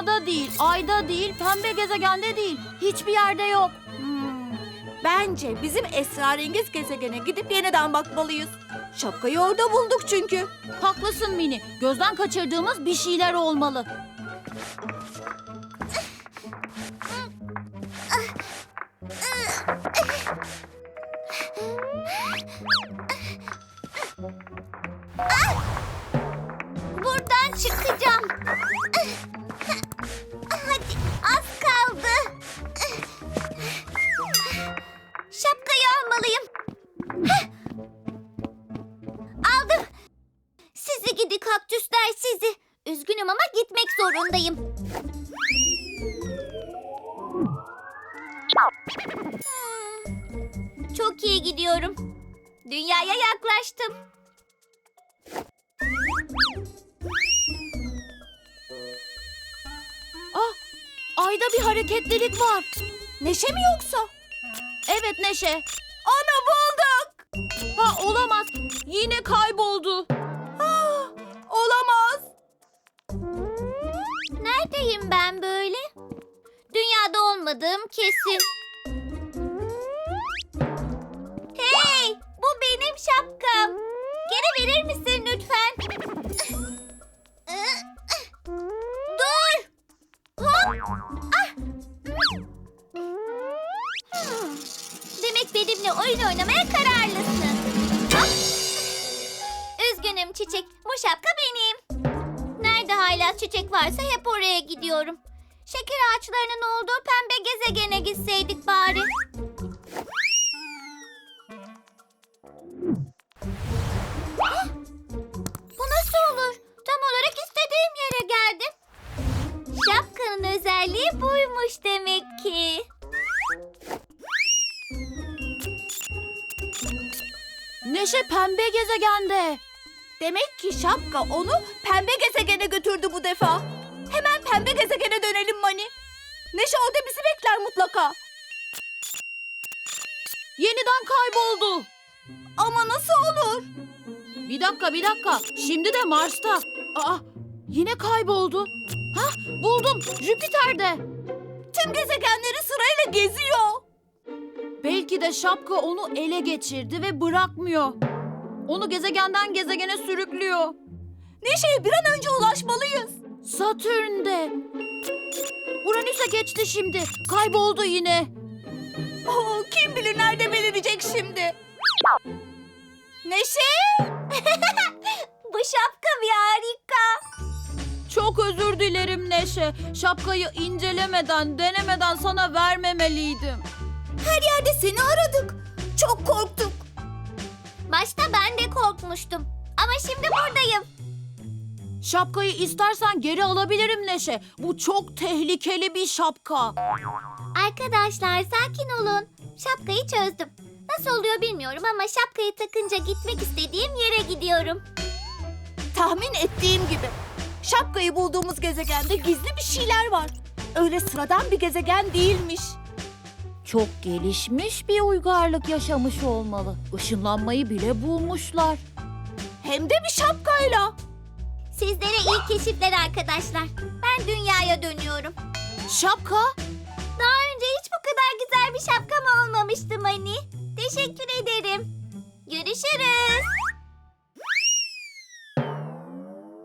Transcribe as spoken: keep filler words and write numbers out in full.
Dünyada değil, ayda değil, pembe gezegende değil. Hiçbir yerde yok. Hmm, bence bizim esrarengiz gezegene gidip yeniden bakmalıyız. Şapkayı orada bulduk çünkü. Haklısın Mini. Gözden kaçırdığımız bir şeyler olmalı. Buradan çıkacağım. Hadi, az kaldı. Şapkayı almalıyım. Heh. Aldım. Sizi gidi kaktüsler sizi. Üzgünüm ama gitmek zorundayım. Hmm, Çok iyi gidiyorum. Dünyaya yaklaştım. Ah, ayda bir hareketlilik var. Neşe mi yoksa? Evet Neşe. Onu bulduk. Ha olamaz. Yine kayboldu. Ah, olamaz. Neredeyim ben böyle? Dünyada olmadığım kesin. Hey! Bu benim şapkam. Geri verir misin lütfen? Dur! Hop! Ah! Hmm. Demek benimle oyun oynamaya kararlısın. Hop! Üzgünüm çiçek. Bu şapka benim. Nerede hala çiçek varsa hep oraya gidiyorum. Şeker ağaçlarının olduğu pembe gezegene gitseydik bari. Hah! Bu nasıl olur? Tam olarak istediğim yere geldim. Şapkanın özelliği buymuş demek ki. Neşe pembe gezegende. Demek ki şapka onu pembe gezegene götürdü bu defa. Hemen pembe gezegene dönelim Mani. Neşe orada bizi bekler mutlaka. Yeniden kayboldu. Ama nasıl olur? Bir dakika bir dakika. Şimdi de Mars'ta. Aa, yine kayboldu. Hah, buldum. Jüpiter'de. Tüm gezegenleri sırayla geziyor. Belki de şapka onu ele geçirdi ve bırakmıyor. Onu gezegenden gezegene sürüklüyor. Neşe'ye bir an önce ulaşmalıyız. Satürn'de. Uranüs'e geçti şimdi. Kayboldu yine. Oo, kim bilir nerede belirecek şimdi. Neşe! Bu şapka bir harika. Çok özür dilerim Neşe. Şapkayı incelemeden, denemeden sana vermemeliydim. Her yerde seni aradık. Çok korktuk. Başta ben de korkmuştum. Ama şimdi buradayım. Şapkayı istersen geri alabilirim Neşe. Bu çok tehlikeli bir şapka. Arkadaşlar sakin olun. Şapkayı çözdüm. Nasıl oluyor bilmiyorum ama şapkayı takınca gitmek istediğim yere gidiyorum. Tahmin ettiğim gibi. Şapkayı bulduğumuz gezegende gizli bir şeyler var. Öyle sıradan bir gezegen değilmiş. Çok gelişmiş bir uygarlık yaşamış olmalı. Işınlanmayı bile bulmuşlar. Hem de bir şapkayla. Sizlere iyi keşifler arkadaşlar. Ben dünyaya dönüyorum. Şapka? Daha önce hiç bu kadar güzel bir şapkam olmamıştı Mani. Teşekkür ederim. Görüşürüz.